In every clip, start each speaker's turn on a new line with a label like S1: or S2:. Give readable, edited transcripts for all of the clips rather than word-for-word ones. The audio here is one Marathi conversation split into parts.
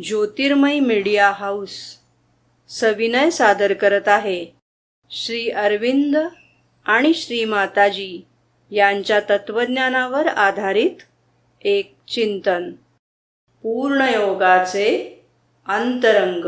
S1: ज्योतिर्मय मीडिया हाऊस सविनय सादर करत आहे श्री अरविंद आणि श्री माताजी यांच्या तत्वज्ञानावर आधारित एक चिंतन, पूर्णयोगाचे अंतरंग.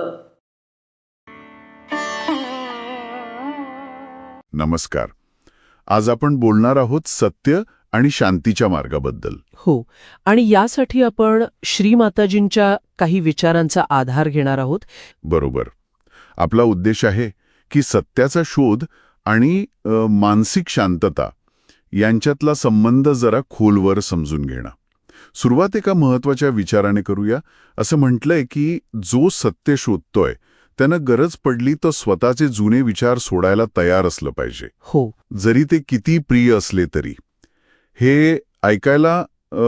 S2: नमस्कार. आज आपण बोलणार आहोत सत्य आणि शांतीच्या मार्गाबद्दल.
S3: हो, आणि यासाठी आपण श्री माताजींच्या काही विचारांचा आधार घेणार आहोत.
S2: बरोबर. आपला उद्देश आहे की सत्याचा शोध आणि मानसिक शांतता यांच्यातला संबंध जरा खोलवर समजून घेणं. सुरुवात एका महत्वाच्या विचाराने करूया. असं म्हटलंय की जो सत्य शोधतोय त्यानं गरज पडली तर स्वतःचे जुने विचार सोडायला तयार असलं पाहिजे.
S3: हो,
S2: जरी ते किती प्रिय असले तरी. हे ऐकायला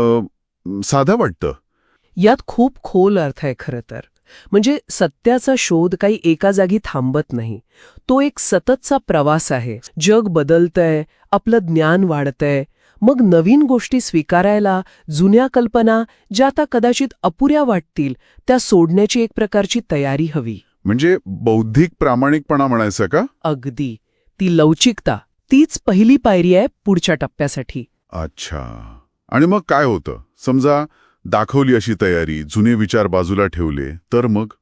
S2: साधं वाटतं.
S3: यात खूप खोल अर्थ आहे खरं तर. म्हणजे सत्याचा शोध काही एका जागी थांबत नाही. तो एक सततचा प्रवास आहे. जग बदलतंय, आपलं ज्ञान वाढतंय. मग नवीन गोष्टी स्वीकारायला, जुन्या कल्पना ज्या आता कदाचित अपुऱ्या वाटतील त्या सोडण्याची एक प्रकारची तयारी हवी.
S2: म्हणजे बौद्धिक प्रामाणिकपणा म्हणायचं का?
S3: अगदी. ती लवचिकता, तीच पहिली पायरी आहे पुढच्या टप्प्यासाठी.
S2: अच्छा. आणि मग काय होतं? समजा दाखवली अशी तयारी, जुने विचार बाजूला ठेवले, तर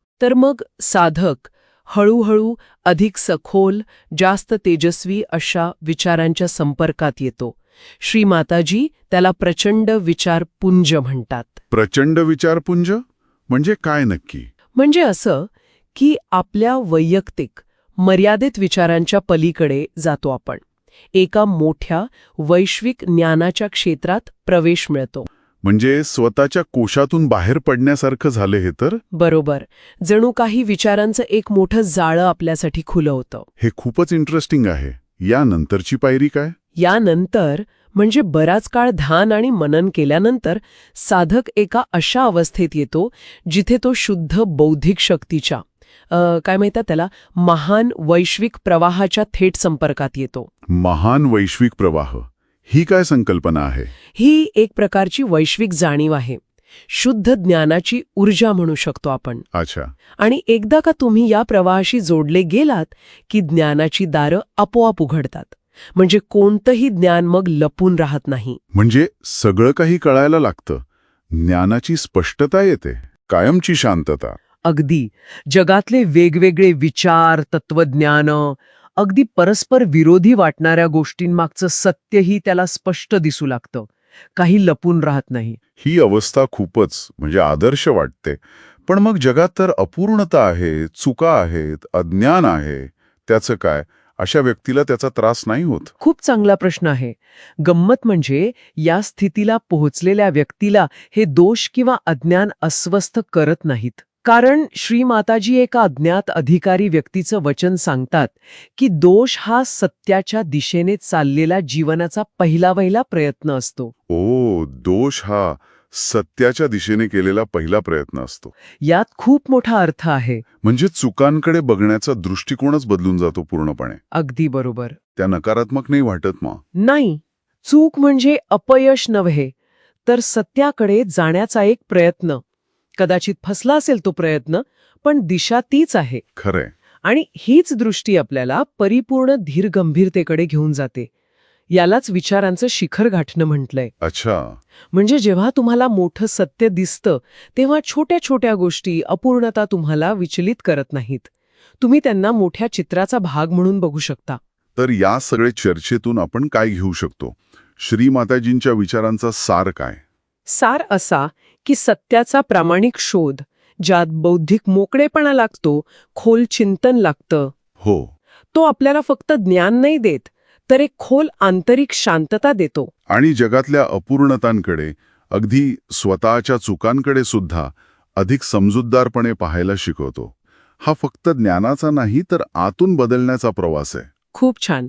S2: मग
S3: साधक हळूहळू अधिक सखोल, जास्त तेजस्वी अशा विचारांच्या संपर्कात येतो. श्री माताजी त्याला प्रचंड विचारपुंज म्हणतात.
S2: प्रचंड विचारपुंज म्हणजे काय नक्की?
S3: म्हणजे असं की आपल्या वैयक्तिक मर्यादित विचारांच्या पलीकडे जातो आपण. एका मोठ्या वैश्विक ज्ञानाच्या क्षेत्रात प्रवेश मिळतो.
S2: म्हणजे स्वतःच्या कोशातून बाहेर पडण्यासारखं झालं हे तर?
S3: बरोबर. जणू काही विचारांचं एक मोठं जाळं आपल्यासाठी खुलं होतं.
S2: हे खूपच इंटरेस्टिंग आहे. यानंतरची पायरी काय?
S3: यानंतर म्हणजे बराच काळ ध्यान आणि मनन केल्यानंतर साधक एका अशा अवस्थेत येतो जिथे तो शुद्ध बौद्धिक शक्तीच्या काय म्हणतात त्याला, महान वैश्विक प्रवाहाच्या थेट संपर्कात येतो.
S2: महान वैश्विक प्रवाह ही काय संकल्पना आहे?
S3: ही एक प्रकारची वैश्विक जाणीव आहे. शुद्ध ज्ञानाची ऊर्जा म्हणू शकतो आपण.
S2: अच्छा.
S3: आणि एकदा का तुम्ही या प्रवाहाशी जोडले गेलात की ज्ञानाची दारं आपोआप उघडतात. म्हणजे कोणतंही ज्ञान मग लपून राहत नाही.
S2: म्हणजे सगळं काही कळायला लागतं. ज्ञानाची स्पष्टता येते. कायमची शांतता.
S3: अगदी. जगातले वेगवेगळे विचार, तत्वज्ञान, अगदी परस्पर विरोधी वाटणाऱ्या गोष्टींमागचं सत्यही त्याला स्पष्ट दिसू लागतं. काही लपून राहत नाही.
S2: ही अवस्था खूपच म्हणजे आदर्श वाटते. पण मग जगात तर अपूर्णता आहे, चुका आहेत, अज्ञान आहे. त्याचं काय? अशा व्यक्तीला त्याचा त्रास नाही होत?
S3: खूप चांगला प्रश्न आहे. गंमत म्हणजे या स्थितीला पोहोचलेल्या व्यक्तीला हे दोष किंवा अज्ञान अस्वस्थ करत नाहीत. कारण श्री माताजी एका अज्ञात अधिकारी व्यक्तीचं वचन सांगतात की दोष हा सत्याच्या दिशेने चाललेला जीवनाचा पहिला प्रयत्न असतो.
S2: ओ, दोष हा सत्याच्या दिशेने केलेला पहिला प्रयत्न असतो.
S3: यात खूप मोठा अर्थ आहे.
S2: म्हणजे चुकांकडे बघण्याचा दृष्टिकोनच बदलून जातो पूर्णपणे.
S3: अगदी बरोबर.
S2: त्या नकारात्मक नाही वाटत मग?
S3: नाही. चूक म्हणजे अपयश नव्हे, तर सत्याकडे जाण्याचा एक प्रयत्न. कदाचित फसला असेल तो प्रयत्न, पण दिशा तीच आहे.
S2: खरंय.
S3: आणि हीच दृष्टी आपल्याला परिपूर्ण धीरगंभीरतेकडे घेऊन जाते. यालाच विचारांचं शिखर गाठणं म्हटलंय.
S2: अच्छा.
S3: म्हणजे जेव्हा तुम्हाला मोठं सत्य दिसतं तेव्हा छोट्या छोट्या गोष्टी, अपूर्णता तुम्हाला विचलित करत नाहीत. तुम्ही त्यांना मोठ्या चित्राचा भाग म्हणून बघू शकता.
S2: तर या सगळ्या चर्चेतून आपण काय घेऊ शकतो? श्री माताजींच्या विचारांचा सार काय?
S3: सार असा की सत्याचा प्रामाणिक शोध, ज्यात बौद्धिक मोकळेपणा लागतो, खोल चिंतन लागतं.
S2: हो.
S3: तो आपल्याला फक्त ज्ञान नाही देत, तर एक खोल आंतरिक शांतता देतो.
S2: आणि जगातल्या अपूर्णतांकडे, अगदी स्वतःच्या चुकांकडे सुद्धा अधिक समजूतदारपणे पाहायला शिकवतो. हा फक्त ज्ञानाचा नाही तर आतून बदलण्याचा प्रवास आहे.
S3: खूप छान.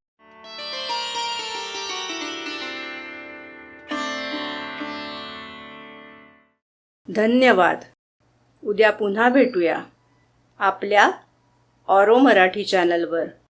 S1: धन्यवाद. उद्या पुन्हा भेटूया आपल्या ऑरो मराठी चॅनलवर.